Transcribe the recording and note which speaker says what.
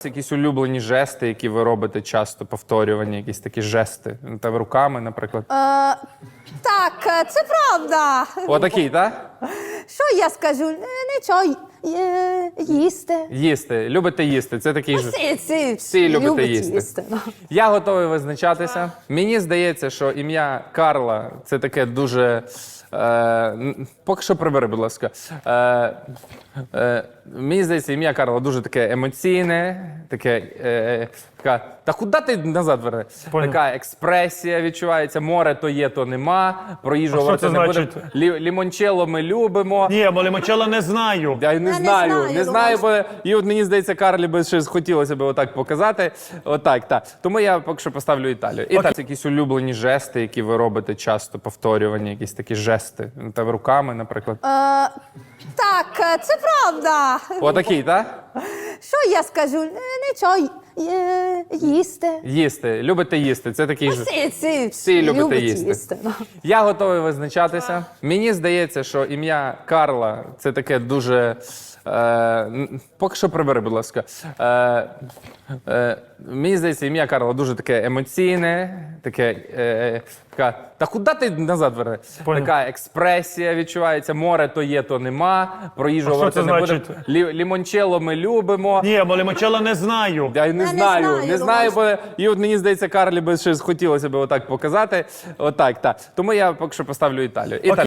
Speaker 1: Якісь улюблені жести, які ви часто повторювані, якісь такі жести. Та руками, наприклад.
Speaker 2: Так, це правда.
Speaker 1: Отакий, так?
Speaker 2: Що я скажу? Нічого, їсти.
Speaker 1: Їсти. Любите їсти. Це такий ж.
Speaker 2: Всі
Speaker 1: любите
Speaker 2: люблять
Speaker 1: їсти. Я готовий визначатися. Мені здається, що ім'я Карла – це таке дуже... поки що прибери, будь ласка. Мені здається, ім'я Карла дуже таке емоційне, таке... така... Та куди ти назад верни? Така експресія відчувається. Море то є, то нема. Про їжу говорити не будемо. Лімончелло ми любимо.
Speaker 3: Ні, бо лімончелло не знаю.
Speaker 1: Я не знаю, бо і от мені здається, Карлі би щось хотілося б отак показати. Отак, так. Тому я поки що поставлю Італію. І так, якісь улюблені жести, які ви часто повторювані, якісь такі жести. Та руками, наприклад.
Speaker 2: Так, це правда.
Speaker 1: Отакий, так?
Speaker 2: Що я скажу? Нічого, їсти.
Speaker 1: Їсти. Любите їсти. Це такий ж.
Speaker 2: Всі
Speaker 1: любите
Speaker 2: люблять
Speaker 1: їсти. Я готовий визначатися. Мені здається, що ім'я Карла – це таке дуже... поки що прибери, будь ласка. Мені здається, ім'я Карла дуже таке емоційне, таке... така... Та куди ти назад верни? Така експресія відчувається. Море то є, то нема. Про їжу говорити не будемо. Лімончелло ми любимо.
Speaker 3: Ні, бо лімончелло не знаю.
Speaker 1: Я не знаю, бо і от мені здається, Карлі би щось хотілося б отак показати. Отак, так. Тому я поки що поставлю Італію.